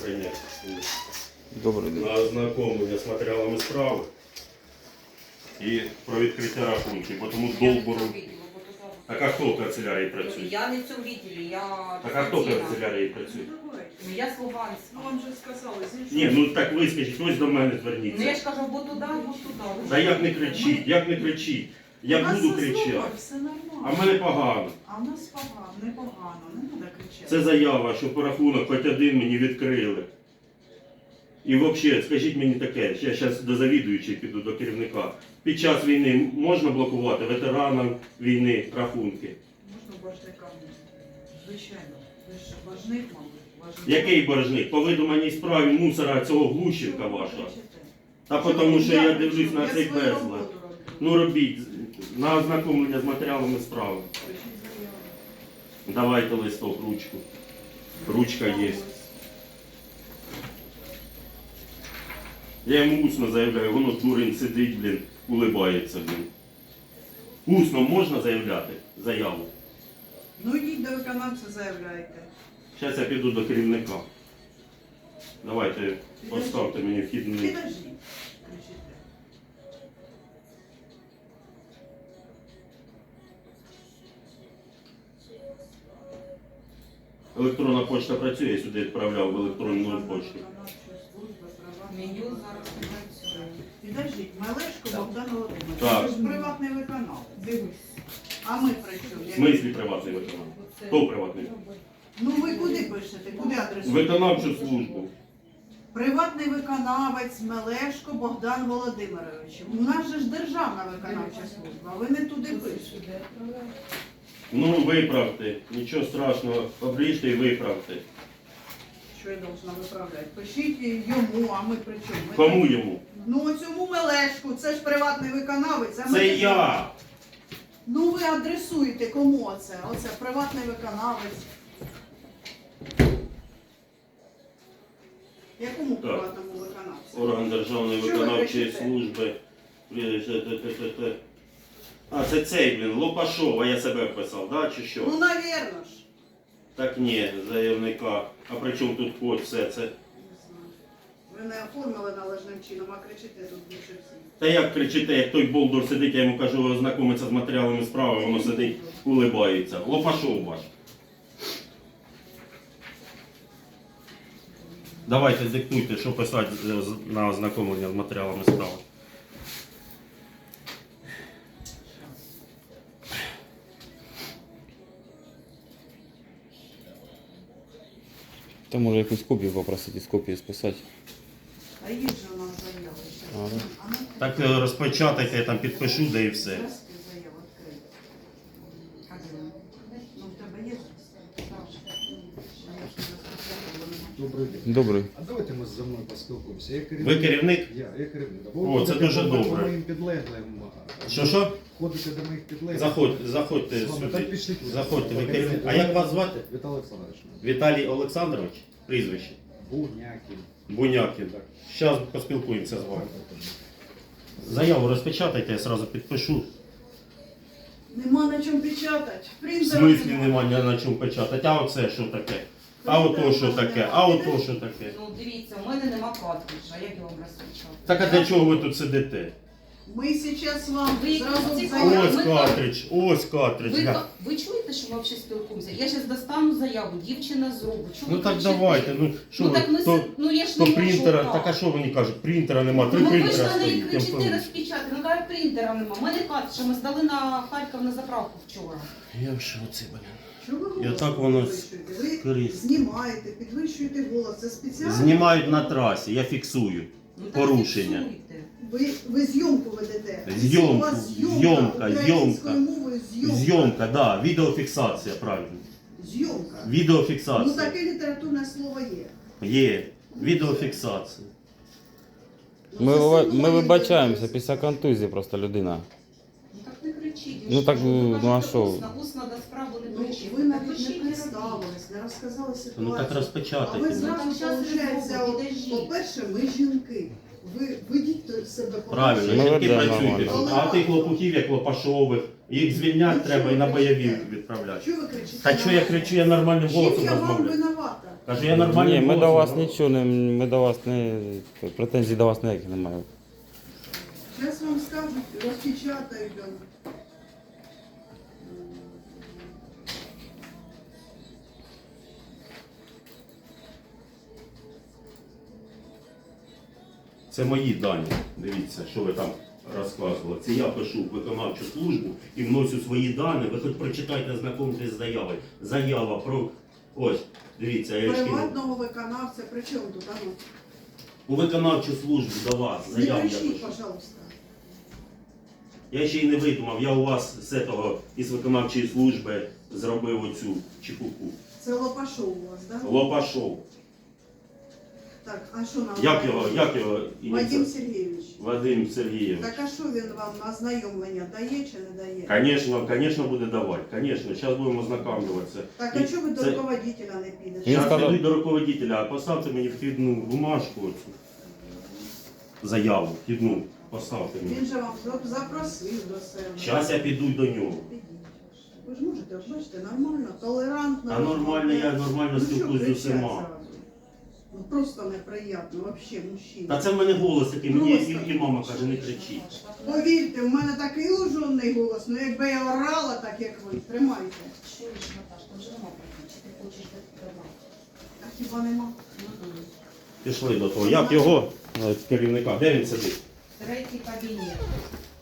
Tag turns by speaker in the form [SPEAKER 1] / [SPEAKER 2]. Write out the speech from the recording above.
[SPEAKER 1] прийняти
[SPEAKER 2] Добрий день.
[SPEAKER 1] на ознакомлення з матеріалами справи і про відкриття рахунків, бо тому долбору. Так а хто в канцелярії працює?
[SPEAKER 3] Я не в цьому відділі, я
[SPEAKER 1] Так а хто в
[SPEAKER 3] дистанційна.
[SPEAKER 1] канцелярії працює?
[SPEAKER 3] Ну я з Луганська.
[SPEAKER 4] Ну вам же сказали,
[SPEAKER 1] Ні, ну так ви скажіть, ось до мене
[SPEAKER 3] Ну я
[SPEAKER 1] зверніться.
[SPEAKER 3] ж кажу, або туди, або туди.
[SPEAKER 1] Та як не кричіть, як не кричіть. Я буду кричати.
[SPEAKER 4] Все нормально.
[SPEAKER 1] А в мене погано.
[SPEAKER 4] А в нас погано, непогано, не треба кричати.
[SPEAKER 1] Це заява, що по рахунок хоч один мені відкрили. І взагалі, скажіть мені таке, я зараз до завідуючої піду, до керівника. Під час війни можна блокувати ветеранам війни рахунки?
[SPEAKER 4] Можна боржникам? Звичайно. Ви ж боржник, мабуть. Боржник.
[SPEAKER 1] Який боржник? По видуманій справі мусора цього Глущенка
[SPEAKER 4] Що ви
[SPEAKER 1] вашого.
[SPEAKER 4] кричите?
[SPEAKER 1] Та тому що я
[SPEAKER 4] кричу?
[SPEAKER 1] дивлюсь на
[SPEAKER 4] Я
[SPEAKER 1] цей
[SPEAKER 4] свою
[SPEAKER 1] безлад.
[SPEAKER 4] роботу роблю.
[SPEAKER 1] Ну робіть, на ознакомлення з матеріалами справи.
[SPEAKER 4] Пишіть заяву.
[SPEAKER 1] Давайте листок, ручку. Ручка є. Я йому усно заявляю, воно дурень сидить, блін, улибається, блін. Усно можна заявляти заяву?
[SPEAKER 4] Ну йдіть до виконавця, заявляйте.
[SPEAKER 1] Зараз я піду до керівника. Давайте поставте мені вхідний.
[SPEAKER 4] Підождіть. Кричите.
[SPEAKER 1] Електронна почта працює, я сюди відправляв в електронну почту.
[SPEAKER 3] Меню зараз не працює.
[SPEAKER 4] Підождіть, Малешко Богдан Володимирович.
[SPEAKER 1] Так.
[SPEAKER 4] Це ж приватний виконавець. Дивись. А ми при чому?
[SPEAKER 1] В смислі приватний виконавець? Хто приватний?
[SPEAKER 4] Ну ви куди пишете? Куди адресуєте?
[SPEAKER 1] Виконавчу службу.
[SPEAKER 4] Приватний виконавець Мелешко Богдан Володимирович. У нас же ж державна виконавча служба, а ви не туди пишете.
[SPEAKER 1] Ну, виправте. Нічого страшного. Обріжте і виправте.
[SPEAKER 4] Що я должна виправляти? Пишіть йому, а ми при чому? Ми
[SPEAKER 1] Кому
[SPEAKER 4] так-
[SPEAKER 1] йому?
[SPEAKER 4] Ну оцьому Мелешку, це ж приватний виконавець. А ми
[SPEAKER 1] Це
[SPEAKER 4] ж-
[SPEAKER 1] я.
[SPEAKER 4] Ну ви адресуєте кому оце? Оце приватний виконавець. Якому
[SPEAKER 1] Так.
[SPEAKER 4] приватному виконавцю?
[SPEAKER 1] Орган Державної
[SPEAKER 4] Що ви
[SPEAKER 1] виконавчої
[SPEAKER 4] кричите?
[SPEAKER 1] служби. А, це цей, блін, Лопашова, я себе вписав, да, чи
[SPEAKER 4] Ну,
[SPEAKER 1] що?
[SPEAKER 4] навірно ж.
[SPEAKER 1] Так ні, заявника. А при чому тут код, все це?
[SPEAKER 4] Не знаю. Ви не оформили належним чином, а кричите тут більше всіх.
[SPEAKER 1] Та як кричите, як той болдур сидить, я йому кажу, ознакомиться з матеріалами справи, воно сидить, улибається. Лопашов ваш. Давайте диктуйте, що писати на ознакомлення з матеріалами справи.
[SPEAKER 2] Та може якусь копію попросити, з копії списати.
[SPEAKER 4] А є ж у нас заява.
[SPEAKER 2] А, да.
[SPEAKER 4] А ну,
[SPEAKER 1] Так розпечатайте, я там підпишу, де і все.
[SPEAKER 4] зразки заяву відкрити. А де вона? Ну, в тебе є зразки?
[SPEAKER 5] Добрий день.
[SPEAKER 2] Добрий.
[SPEAKER 5] А давайте ми зі мною поспілкуємося. Я
[SPEAKER 1] Ви керівник?
[SPEAKER 5] Я керівник.
[SPEAKER 1] О, це дуже
[SPEAKER 5] По
[SPEAKER 1] добре.
[SPEAKER 5] моїм підлеглим.
[SPEAKER 1] Що?
[SPEAKER 5] Ходите до моїх підлеглих.
[SPEAKER 1] Заходьте
[SPEAKER 5] З вами
[SPEAKER 1] сюди.
[SPEAKER 5] так пішли.
[SPEAKER 1] Заходьте, ви керівник. А як вас звати?
[SPEAKER 5] Віталій Олександрович.
[SPEAKER 1] Віталій Олександрович? Прізвище?
[SPEAKER 5] Бунякін.
[SPEAKER 1] Бунякін.
[SPEAKER 5] Так.
[SPEAKER 1] Зараз поспілкуємося з вами. Заяву розпечатайте, я одразу підпишу.
[SPEAKER 4] Нема на чому печатати.
[SPEAKER 1] В
[SPEAKER 4] Принтера
[SPEAKER 1] смислі немає на чому печатати. А оце що таке? А ото що таке? А ото що таке?
[SPEAKER 3] Ну дивіться, у мене нема картриджа, як я вам розпочав.
[SPEAKER 1] Так а для чого ви тут сидите?
[SPEAKER 4] Ми зараз вам
[SPEAKER 3] Ви
[SPEAKER 4] зразу
[SPEAKER 3] ці-
[SPEAKER 4] заяву.
[SPEAKER 1] Ось картридж, ось картридж.
[SPEAKER 3] Ви,
[SPEAKER 1] гля.
[SPEAKER 3] ви чуєте, що ми взагалі спілкуємося? Я зараз достану заяву, дівчина зробить. Чого
[SPEAKER 1] Ну
[SPEAKER 3] ви
[SPEAKER 1] так
[SPEAKER 3] кричите?
[SPEAKER 1] давайте, ну що
[SPEAKER 3] Ну
[SPEAKER 1] ви,
[SPEAKER 3] так ми
[SPEAKER 1] то,
[SPEAKER 3] ну я ж
[SPEAKER 1] то
[SPEAKER 3] не можу
[SPEAKER 1] принтера,
[SPEAKER 3] так.
[SPEAKER 1] так а що вони кажуть, принтера нема, три
[SPEAKER 3] Ну ви ж
[SPEAKER 1] принтера
[SPEAKER 3] на неї
[SPEAKER 1] стоїть. я
[SPEAKER 3] кричите
[SPEAKER 1] впевнений.
[SPEAKER 3] розпечатати, ну каже принтера нема. У мене картриджа, ми здали на Харків на заправку вчора.
[SPEAKER 1] Я в шоці, блін.
[SPEAKER 4] Чого ви
[SPEAKER 1] Я
[SPEAKER 4] голос
[SPEAKER 1] так воно
[SPEAKER 4] підвищуєте? Ви
[SPEAKER 1] скрізь.
[SPEAKER 4] знімаєте, підвищуєте голос. Це спеціально.
[SPEAKER 1] Знімають на трасі, я фіксую.
[SPEAKER 3] Ну, так
[SPEAKER 1] Порушення.
[SPEAKER 3] фіксуйте.
[SPEAKER 4] Ви зйомку ведете.
[SPEAKER 1] Зйомку,
[SPEAKER 4] У вас
[SPEAKER 1] зйомка,
[SPEAKER 4] українською мовою зйомка.
[SPEAKER 1] Зйомка, да, відеофіксація, правильно.
[SPEAKER 4] Зйомка. Ну
[SPEAKER 1] Відеофіксація.
[SPEAKER 4] таке літературне слово є.
[SPEAKER 1] Є. Відеофіксація.
[SPEAKER 2] Ми вибачаємося після контузії просто людина.
[SPEAKER 3] Ну так не кричіть.
[SPEAKER 2] Ну, так,
[SPEAKER 3] Ви
[SPEAKER 2] ну,
[SPEAKER 3] кажете
[SPEAKER 2] а що?
[SPEAKER 3] Усно до справи не
[SPEAKER 4] Ну,
[SPEAKER 3] кричіть.
[SPEAKER 4] ви навіть не
[SPEAKER 3] Напишіть і
[SPEAKER 4] представились, не розказали
[SPEAKER 1] Ну так
[SPEAKER 4] ситуацію. А ви
[SPEAKER 1] розпечатайте.
[SPEAKER 4] зразу,
[SPEAKER 3] Ну, так щас
[SPEAKER 4] виходить,
[SPEAKER 3] зробимо, підождіть.
[SPEAKER 4] по-перше, ми жінки. Ви ведіть себе
[SPEAKER 1] Правильно,
[SPEAKER 2] Ми
[SPEAKER 1] жінки
[SPEAKER 2] ведемо
[SPEAKER 1] працюють.
[SPEAKER 2] нормально.
[SPEAKER 1] А тих лопухів, як Лопашових, їх звільняти треба і на бойові відправляти.
[SPEAKER 4] Що ви кричите?
[SPEAKER 1] Та що я кричу, я нормальним
[SPEAKER 4] Чим
[SPEAKER 1] голосом
[SPEAKER 4] я вам
[SPEAKER 1] розмовляю.
[SPEAKER 4] винувата?
[SPEAKER 1] Кажу, я нормальним
[SPEAKER 2] Ні, ми
[SPEAKER 1] голосом
[SPEAKER 2] до вас
[SPEAKER 1] розмовляю.
[SPEAKER 2] нічого не, ми до вас не, претензій до вас ніяких немає.
[SPEAKER 4] Зараз вам скажуть, розпечатають.
[SPEAKER 1] Це мої дані. Дивіться, що ви там розказували. Це я пишу в виконавчу службу і вносю свої дані. Ви хоч прочитайте, знакомтесь з заявою. Заява про... Ось, дивіться, я ж кинув.
[SPEAKER 4] Приватного виконавця, при чому тут? Ану?
[SPEAKER 1] У виконавчу службу до вас.
[SPEAKER 4] Не
[SPEAKER 1] Заяву я
[SPEAKER 4] кричіть,
[SPEAKER 1] пишу.
[SPEAKER 4] пожалуйста.
[SPEAKER 1] Я ще й не видумав, я у вас з этого, із виконавчої служби зробив оцю чепуху.
[SPEAKER 4] Це Лопашов у вас, так? Да?
[SPEAKER 1] Лопашов.
[SPEAKER 4] Так, а що нам?
[SPEAKER 1] Як його
[SPEAKER 4] Вадим
[SPEAKER 1] ініціатив?
[SPEAKER 4] Сергійович.
[SPEAKER 1] Вадим Сергійович.
[SPEAKER 4] Так а що він вам на знайомлення дає чи не дає?
[SPEAKER 1] Конечно, буде давати. Конечно, зараз будемо ознакомлюватися.
[SPEAKER 4] Так, а чого ви до
[SPEAKER 1] Це-
[SPEAKER 4] руководителя не підете?
[SPEAKER 2] Він
[SPEAKER 1] Зараз
[SPEAKER 2] сказав-
[SPEAKER 1] підуть до руководителя, а поставте мені вхідну бумажку оцю. Заяву, вхідну. Поставте мені.
[SPEAKER 4] Він же вам запросив до себе.
[SPEAKER 1] Зараз я піду до нього.
[SPEAKER 4] Підіть. Ви ж можете, от бачите, нормально, толерантно.
[SPEAKER 1] А нормально, я нормально
[SPEAKER 4] Ну, що
[SPEAKER 1] спілкуюсь з
[SPEAKER 4] кричать
[SPEAKER 1] усіма.
[SPEAKER 4] зразу? Ну просто неприємно, взагалі, мужчина.
[SPEAKER 1] Та це в мене голос такий, мені
[SPEAKER 4] Просто.
[SPEAKER 1] і мама каже, не кричіть.
[SPEAKER 4] Повірте, в мене такий лужонний голос, ну якби я орала так, як ви, тримайте.
[SPEAKER 3] Чуєш, Наташ, там же нема проблем, чи ти хочеш добавити?
[SPEAKER 4] А хіба нема?
[SPEAKER 1] Пішли до того. Як його керівника? Де він сидить?
[SPEAKER 3] Третій кабінет.